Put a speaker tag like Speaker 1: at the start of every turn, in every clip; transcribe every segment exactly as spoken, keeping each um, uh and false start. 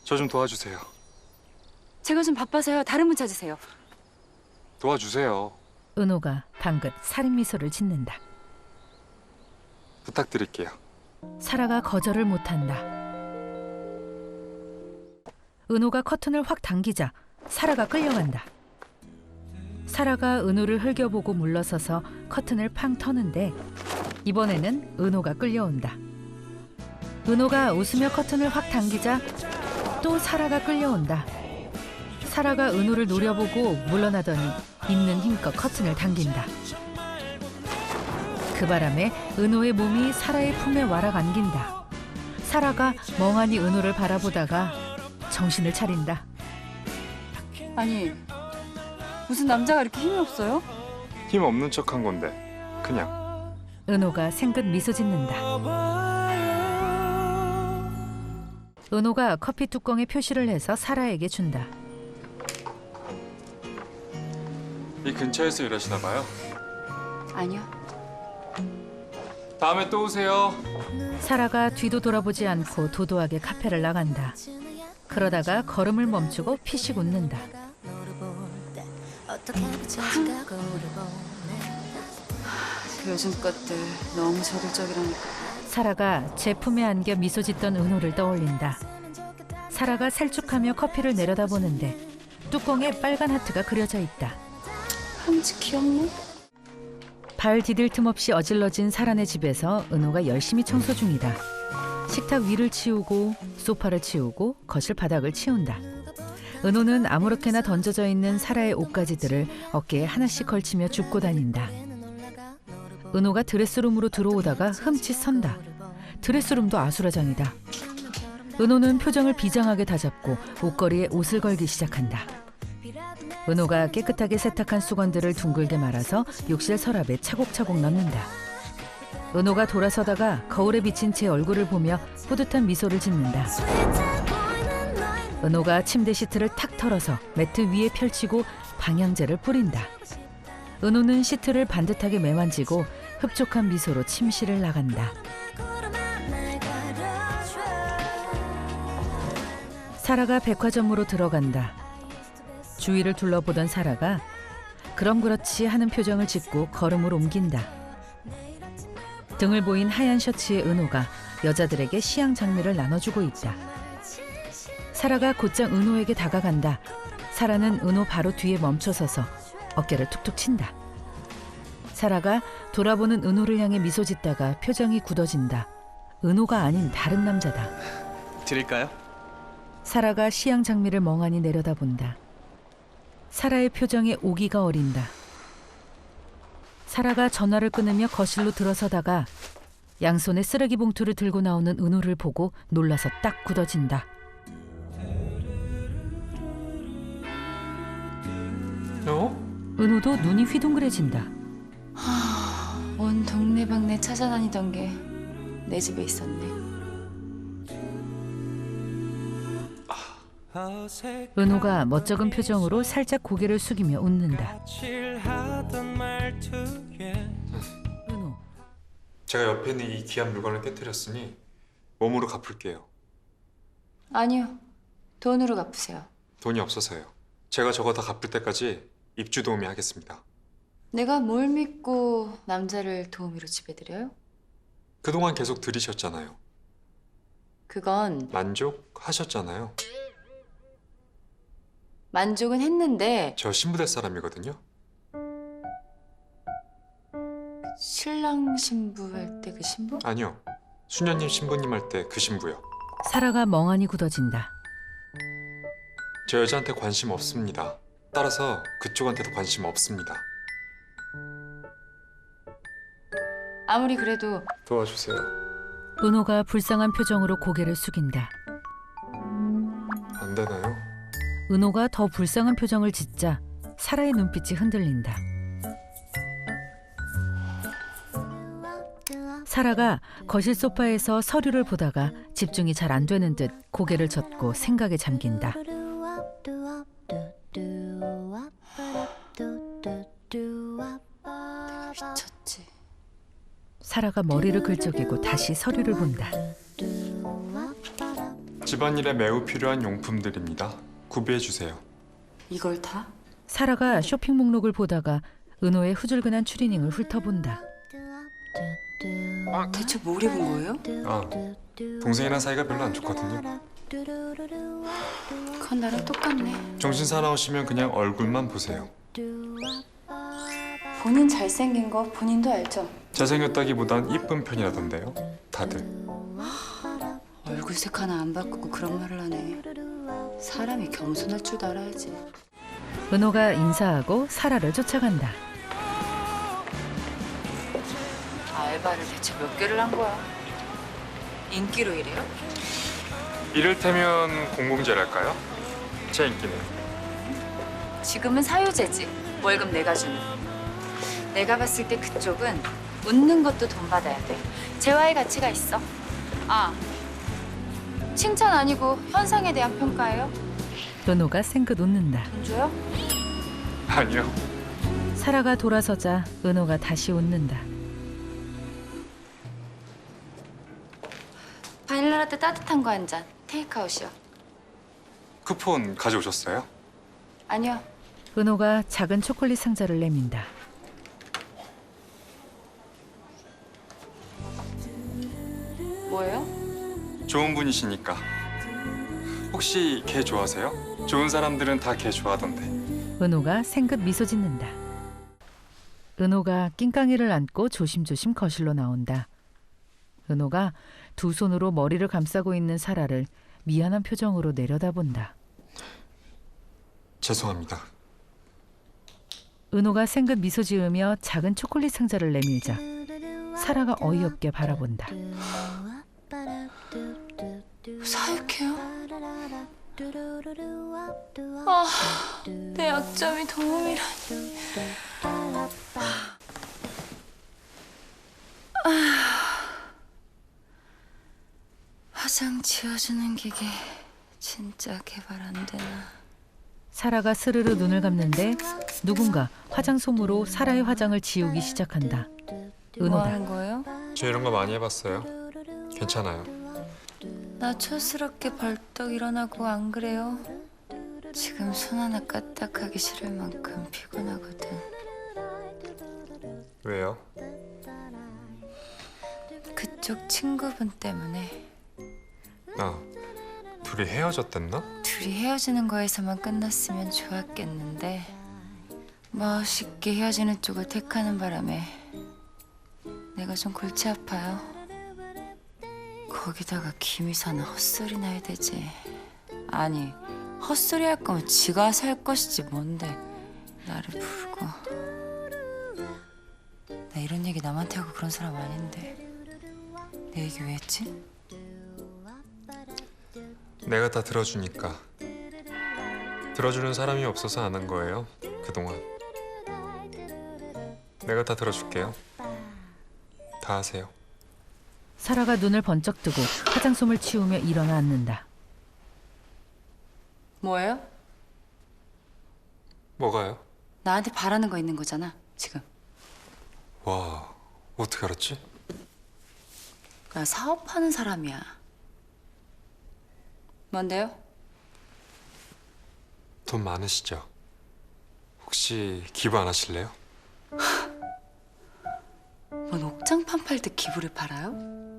Speaker 1: 저 좀 도와주세요.
Speaker 2: 제가 좀 바빠서요. 다른 분 찾으세요.
Speaker 1: 도와주세요.
Speaker 3: 은호가 방긋 살인 미소를 짓는다.
Speaker 1: 부탁드릴게요.
Speaker 3: 사라가 거절을 못한다. 은호가 커튼을 확 당기자 사라가 끌려간다. 사라가 은호를 흘겨보고 물러서서 커튼을 팡 터는데 이번에는 은호가 끌려온다. 은호가 웃으며 커튼을 확 당기자 또 사라가 끌려온다. 사라가 은호를 노려보고 물러나더니 있는 힘껏 커튼을 당긴다. 그 바람에 은호의 몸이 사라의 품에 와락 안긴다. 사라가 멍하니 은호를 바라보다가 정신을 차린다.
Speaker 2: 아니, 무슨 남자가 이렇게 힘이 없어요?
Speaker 1: 힘 없는 척한 건데 그냥.
Speaker 3: 은호가 생긋 미소 짓는다. 은호가 커피 뚜껑에 표시를 해서 사라에게 준다.
Speaker 1: 이 근처에서 일하시나 봐요.
Speaker 2: 아니요.
Speaker 1: 다음에 또 오세요.
Speaker 3: 사라가 뒤도 돌아보지 않고 도도하게 카페를 나간다. 그러다가 걸음을 멈추고 피식 웃는다.
Speaker 2: 요즘 것들 너무 저돌적이라니까.
Speaker 3: 사라가 제품에 안겨 미소 짓던 은호를 떠올린다. 사라가 살쭉하며 커피를 내려다보는데 뚜껑에 빨간 하트가 그려져 있다.
Speaker 2: 한지 귀엽네.
Speaker 3: 발 디딜 틈 없이 어질러진 사라네 집에서 은호가 열심히 청소 중이다. 식탁 위를 치우고 소파를 치우고 거실 바닥을 치운다. 은호는 아무렇게나 던져져 있는 사라의 옷가지들을 어깨에 하나씩 걸치며 줍고 다닌다. 은호가 드레스룸으로 들어오다가 흠칫 선다. 드레스룸도 아수라장이다. 은호는 표정을 비장하게 다잡고 옷걸이에 옷을 걸기 시작한다. 은호가 깨끗하게 세탁한 수건들을 둥글게 말아서 욕실 서랍에 차곡차곡 넣는다. 은호가 돌아서다가 거울에 비친 제 얼굴을 보며 뿌듯한 미소를 짓는다. 은호가 침대 시트를 탁 털어서 매트 위에 펼치고 방향제를 뿌린다. 은호는 시트를 반듯하게 매만지고 흡족한 미소로 침실을 나간다. 사라가 백화점으로 들어간다. 주위를 둘러보던 사라가 그럼 그렇지 하는 표정을 짓고 걸음을 옮긴다. 등을 보인 하얀 셔츠의 은호가 여자들에게 시향 장미를 나눠주고 있다. 사라가 곧장 은호에게 다가간다. 사라는 은호 바로 뒤에 멈춰서서 어깨를 툭툭 친다. 사라가 돌아보는 은호를 향해 미소 짓다가 표정이 굳어진다. 은호가 아닌 다른 남자다.
Speaker 4: 드릴까요?
Speaker 3: 사라가 시향 장미를 멍하니 내려다본다. 사라의 표정에 오기가 어린다. 사라가 전화를 끊으며 거실로 들어서다가 양손에 쓰레기 봉투를 들고 나오는 은호를 보고 놀라서 딱 굳어진다.
Speaker 1: 어?
Speaker 3: 은호도 눈이 휘둥그레진다.
Speaker 2: 온 동네방네 찾아다니던 게 내 집에 있었네.
Speaker 3: 은호가 멋쩍은 표정으로 살짝 고개를 숙이며 웃는다. 은호,
Speaker 1: 제가 옆에 있는 이 귀한 물건을 깨뜨렸으니 몸으로 갚을게요.
Speaker 2: 아니요. 돈으로 갚으세요.
Speaker 1: 돈이 없어서요. 제가 저거 다 갚을 때까지 입주 도우미 하겠습니다.
Speaker 2: 내가 뭘 믿고 남자를 도우미로 지배드려요?
Speaker 1: 그동안 계속 들이셨잖아요.
Speaker 2: 그건
Speaker 1: 만족하셨잖아요.
Speaker 2: 만족은 했는데
Speaker 1: 저 신부 될 사람이거든요.
Speaker 2: 신랑 신부 할 때 그 신부?
Speaker 1: 아니요. 수녀님 신부님 할 때 그 신부요.
Speaker 3: 사라가 멍하니 굳어진다.
Speaker 1: 저 여자한테 관심 없습니다. 따라서 그쪽한테도 관심 없습니다.
Speaker 2: 아무리 그래도
Speaker 1: 도와주세요.
Speaker 3: 은호가 불쌍한 표정으로 고개를 숙인다.
Speaker 1: 안 되나요?
Speaker 3: 은호가 더 불쌍한 표정을 짓자 사라의 눈빛이 흔들린다. 사라가 거실 소파에서 서류를 보다가 집중이 잘 안 되는 듯 고개를 젓고 생각에 잠긴다.
Speaker 2: 미쳤지.
Speaker 3: 사라가 머리를 긁적이고 다시 서류를 본다.
Speaker 1: 집안일에 매우 필요한 용품들입니다. 구비해 주세요.
Speaker 2: 이걸 다?
Speaker 3: 사라가 쇼핑 목록을 보다가 은호의 후줄근한 추리닝을 훑어본다.
Speaker 2: 대체 뭘 입은 거예요?
Speaker 1: 아, 동생이랑 사이가 별로 안 좋거든요.
Speaker 2: 그건 나랑 똑같네.
Speaker 1: 정신 사나우시면 그냥 얼굴만 보세요.
Speaker 2: 본인 잘생긴 거 본인도 알죠?
Speaker 1: 잘생겼다기보단 이쁜 편이라던데요. 다들.
Speaker 2: 얼굴색 하나 안 바꾸고 그런 말을 하네. 사람이 겸손할 줄도 알아야지.
Speaker 3: 은호가 인사하고 사라를 쫓아간다.
Speaker 2: 알바를 대체 몇 개를 한 거야? 인기로 일해요?
Speaker 1: 이를테면 공공재랄까요? 제 인기는.
Speaker 2: 지금은 사유제지. 월급 내가 주는. 내가 봤을 때 그쪽은 웃는 것도 돈 받아야 돼. 재화의 가치가 있어. 아, 칭찬 아니고 현상에 대한 평가예요?
Speaker 3: 은호가 생긋 웃는다.
Speaker 2: 돈 줘요?
Speaker 1: 아니요.
Speaker 3: 사라가 돌아서자 은호가 다시 웃는다.
Speaker 2: 바닐라 라떼 따뜻한 거 한 잔. 테이크아웃이요.
Speaker 1: 쿠폰 가져오셨어요?
Speaker 2: 아니요.
Speaker 3: 은호가 작은 초콜릿 상자를 내민다.
Speaker 2: 뭐예요?
Speaker 1: 좋은 분이시니까. 혹시 개 좋아하세요? 좋은 사람들은 다 개 좋아하던데.
Speaker 3: 은호가 생긋 미소 짓는다. 은호가 낑깡이를 안고 조심조심 거실로 나온다. 은호가 두 손으로 머리를 감싸고 있는 사라를 미안한 표정으로 내려다본다.
Speaker 1: 죄송합니다.
Speaker 3: 은호가 생긋 미소 지으며 작은 초콜릿 상자를 내밀자 사라가 어이없게 바라본다.
Speaker 2: 사육해요? 아, 내 약점이 도움이라니. 아, 화장 지워주는 기계 진짜 개발 안 되나?
Speaker 3: 사라가 스르르 눈을 감는데 누군가 화장솜으로 사라의 화장을 지우기 시작한다.
Speaker 2: 뭐
Speaker 3: 은호다.
Speaker 2: 하는 거예요?
Speaker 1: 저 이런 거 많이 해봤어요. 괜찮아요.
Speaker 2: 나 촌스럽게 벌떡 일어나고 안 그래요? 지금 손 하나 까딱하기 싫을 만큼 피곤하거든.
Speaker 1: 왜요?
Speaker 2: 그쪽 친구분 때문에.
Speaker 1: 아, 둘이 헤어졌댔나?
Speaker 2: 둘이 헤어지는 거에서만 끝났으면 좋았겠는데 멋있게 헤어지는 쪽을 택하는 바람에 내가 좀 골치 아파요. 거기다가 김희사는 헛소리나 해야 되지. 아니, 헛소리 할 거면 지가 살 것이지 뭔데 나를 부르고. 나 이런 얘기 남한테 하고 그런 사람 아닌데 내 얘기 왜 했지?
Speaker 1: 내가 다 들어주니까. 들어주는 사람이 없어서 안 한 거예요, 그동안. 내가 다 들어줄게요. 다 하세요.
Speaker 3: 사라가 눈을 번쩍 뜨고 화장솜을 치우며 일어나 앉는다.
Speaker 2: 뭐예요?
Speaker 1: 뭐가요?
Speaker 2: 나한테 바라는 거 있는 거잖아 지금.
Speaker 1: 와, 어떻게 알았지?
Speaker 2: 나 사업하는 사람이야. 뭔데요?
Speaker 1: 돈 많으시죠? 혹시 기부 안 하실래요?
Speaker 2: 뭔 옥장판 팔듯 기부를 팔아요?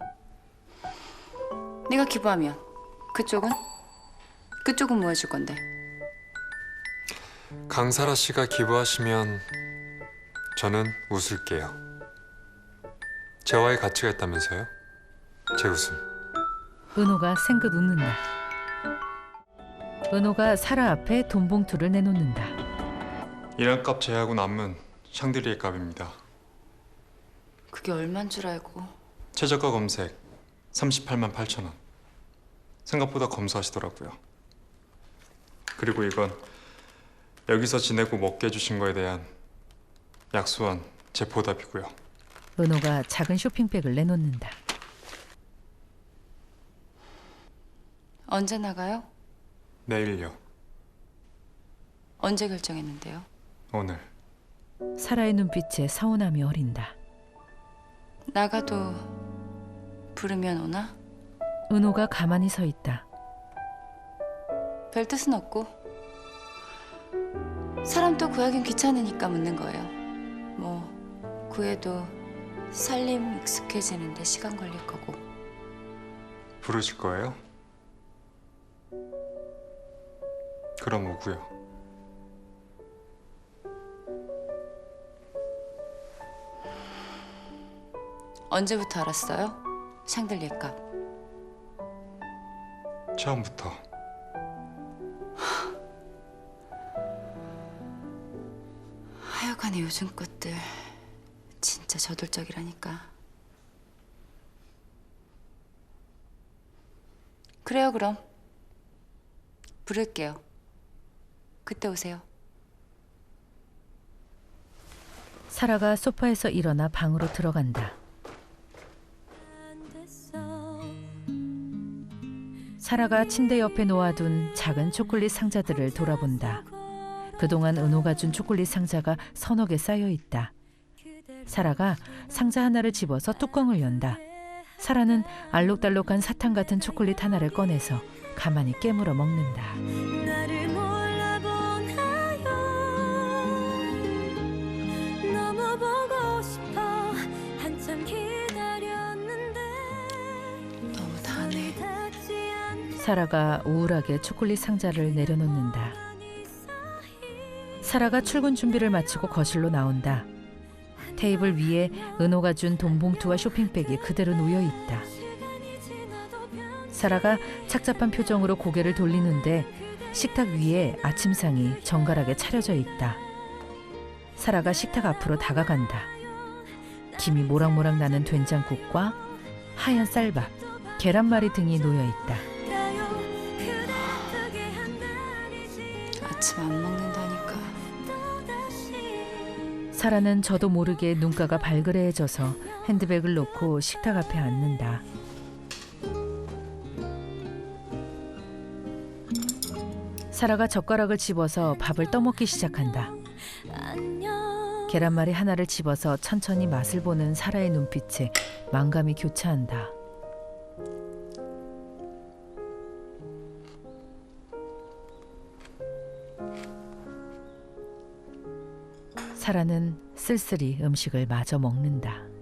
Speaker 2: 내가 기부하면 그쪽은? 그쪽은 뭐 해줄 건데?
Speaker 1: 강사라 씨가 기부하시면 저는 웃을게요. 재화의 가치가 있다면서요? 제 웃음.
Speaker 3: 은호가 생긋 웃는다. 은호가 사라 앞에 돈 봉투를 내놓는다.
Speaker 1: 인한값 제하고 남은 샹드리에 값입니다.
Speaker 2: 그게 얼만 줄 알고.
Speaker 1: 최저가 검색 삼십팔만 팔천 원. 생각보다 검소하시더라고요. 그리고 이건 여기서 지내고 먹게 해주신 거에 대한 약소한 제 보답이고요.
Speaker 3: 은호가 작은 쇼핑백을 내놓는다.
Speaker 2: 언제 나가요?
Speaker 1: 내일요.
Speaker 2: 언제 결정했는데요?
Speaker 1: 오늘.
Speaker 3: 사라의 눈빛에 서운함이 어린다.
Speaker 2: 나가도 부르면 오나?
Speaker 3: 은호가 가만히 서 있다.
Speaker 2: 별 뜻은 없고 사람 또 구하긴 귀찮으니까 묻는 거예요. 뭐 구해도 살림 익숙해지는데 시간 걸릴 거고.
Speaker 1: 부르실 거예요? 그럼 오고요.
Speaker 2: 언제부터 알았어요? 샹들리에 값.
Speaker 1: 처음부터.
Speaker 2: 하여간에 요즘 것들 진짜 저돌적이라니까. 그래요, 그럼. 부를게요. 그때 오세요.
Speaker 3: 사라가 소파에서 일어나 방으로 들어간다. 사라가 침대 옆에 놓아둔 작은 초콜릿 상자들을 돌아본다. 그동안 은호가 준 초콜릿 상자가 서너 개 쌓여 있다. 사라가 상자 하나를 집어서 뚜껑을 연다. 사라는 알록달록한 사탕 같은 초콜릿 하나를 꺼내서 가만히 깨물어 먹는다.
Speaker 4: 나를 몰라보나요? 너무 보고 싶어 한참 기다렸는데
Speaker 2: 너무 다네.
Speaker 4: 닿지 않게
Speaker 3: 사라가 우울하게 초콜릿 상자를 내려놓는다. 사라가 출근 준비를 마치고 거실로 나온다. 테이블 위에 은호가 준 돈봉투와 쇼핑백이 그대로 놓여 있다.
Speaker 4: 시간이 지나도 변
Speaker 3: 사라가 착잡한 표정으로 고개를 돌리는데 식탁 위에 아침상이 정갈하게 차려져 있다. 사라가 식탁 앞으로 다가간다. 김이 모락모락 나는 된장국과 하얀 쌀밥, 계란말이 등이 놓여 있다.
Speaker 4: 가요 그대 뜨게 한다리지
Speaker 2: 아침 안 먹는다니까.
Speaker 4: 또다시
Speaker 3: 사라는 저도 모르게 눈가가 발그레해져서 핸드백을 놓고 식탁 앞에 앉는다. 사라가 젓가락을 집어서 밥을 떠먹기 시작한다.
Speaker 4: 안녕
Speaker 3: 계란말이 하나를 집어서 천천히 맛을 보는 사라의 눈빛에 만감이 교차한다. 사라는 쓸쓸히 음식을 마저 먹는다.